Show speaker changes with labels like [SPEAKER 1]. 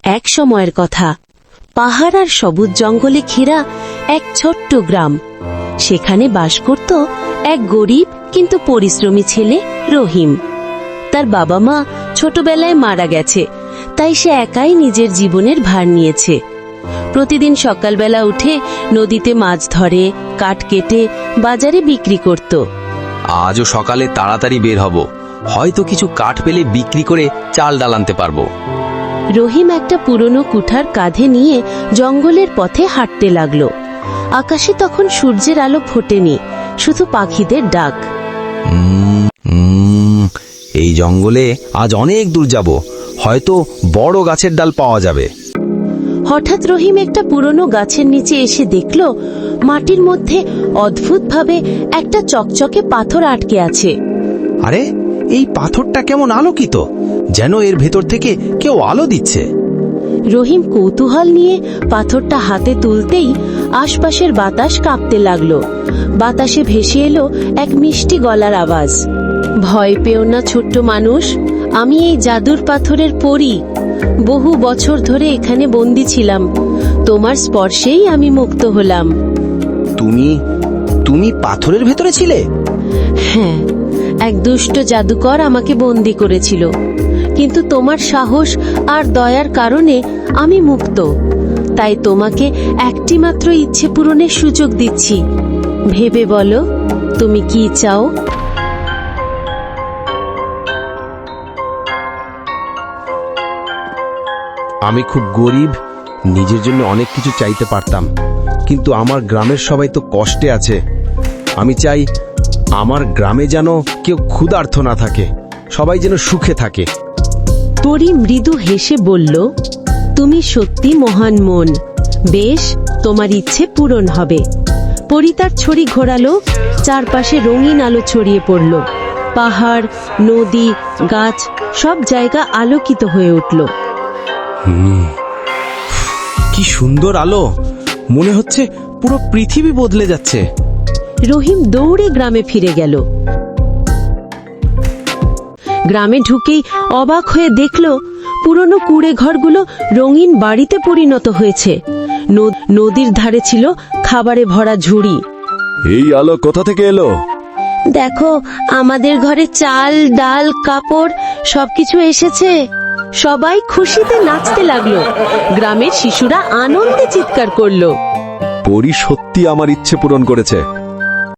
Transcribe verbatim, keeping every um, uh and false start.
[SPEAKER 1] এক সময়ের কথা, পাহাড় আর সবুজ জঙ্গলে ঘেরা এক ছোট্ট গ্রাম। সেখানে বাস করত এক গরিব কিন্তু পরিশ্রমী ছেলে রহিম। তার বাবা মা ছোটবেলায় মারা গেছে, তাই সে একাই নিজের জীবনের ভার নিয়েছে। প্রতিদিন সকালবেলা উঠে নদীতে মাছ ধরে, কাঠ কেটে বাজারে বিক্রি করত।
[SPEAKER 2] আজও সকালে তাড়াতাড়ি বের হব, হয়তো কিছু কাঠ পেলে বিক্রি করে চাল ডাল আনতে পারবো।
[SPEAKER 1] রহিম একটা পুরনো কুঠার কাঁধে নিয়ে জঙ্গলের পথে হাঁটতে লাগলো। আকাশে তখন সূর্যের আলো ফোটেনি, শুধু পাখিদের ডাক।
[SPEAKER 2] উম, উম, এই জঙ্গলে আজ অনেক দূর যাব, হয়তো বড় গাছের ডাল পাওয়া যাবে।
[SPEAKER 1] হঠাৎ রহিম একটা পুরনো গাছের নিচে এসে দেখল মাটির মধ্যে অদ্ভুতভাবে একটা চকচকে পাথর আটকে আছে।
[SPEAKER 2] আরে, এই পাথরটা কেমন আলোকিত, যেন এর ভেতর থেকে কেউ আলো দিচ্ছে।
[SPEAKER 1] রহিম কৌতূহল নিয়ে পাথরটা হাতে তুলতেই আশপাশের বাতাস কাঁপতে লাগলো। বাতাসে ভেসে এলো এক মিষ্টি গলার আওয়াজ। ভয় পেও না ছোট্ট মানুষ, আমি এই জাদুর পাথরের পরী। বহু বছর ধরে এখানে বন্দী ছিলাম, তোমার স্পর্শেই আমি মুক্ত হলাম।
[SPEAKER 2] তুমি তুমি পাথরের ভেতরে ছিলে?
[SPEAKER 1] হ্যাঁ, এক দুষ্ট জাদুকর আমাকে বন্দী করেছিল, কিন্তু তোমার সাহস আর দয়ার কারণে আমি মুক্ত। তাই তোমাকে একটি মাত্র ইচ্ছে পূরণের সুযোগ দিচ্ছি। ভেবে বলো, তুমি কি চাও?
[SPEAKER 3] আমি খুব গরিব, নিজের জন্য অনেক কিছু চাইতে পারতাম, কিন্তু আমার গ্রামের সবাই তো কষ্টে আছে। আমি চাই আমার গ্রামে যেন কেউ ক্ষুধার্ত না থাকে, সবাই যেন সুখে থাকে।
[SPEAKER 1] পরী মৃদু হেসে বলল, তুমি সত্যি মহান মন। বেশ, তোমার ইচ্ছে পূরণ হবে। পরী তার ছড়ি ঘোরালো, চারপাশে রঙিন আলো ছড়িয়ে পড়ল। পাহাড়, নদী, গাছ সব জায়গা আলোকিত হয়ে উঠল।
[SPEAKER 3] কি সুন্দর আলো, মনে হচ্ছে পুরো পৃথিবী বদলে যাচ্ছে।
[SPEAKER 1] রহিম দৌড়ে গ্রামে ফিরে গেল। গ্রামে ঢুকেই অবাক হয়ে দেখল পুরনো কুড়ে ঘরগুলো রঙিন বাড়িতে পরিণত হয়েছে। নদীর ধারে ছিল খাবারে ভরা ঝুড়ি।
[SPEAKER 3] এই আলো কোথা থেকে এলো?
[SPEAKER 1] দেখো, আমাদের ঘরে চাল, ডাল, কাপড় সবকিছু এসেছে। সবাই খুশিতে নাচতে লাগলো। গ্রামের শিশুরা আনন্দে চিৎকার করলো।
[SPEAKER 3] পরী সত্যি আমার ইচ্ছে পূরণ করেছে।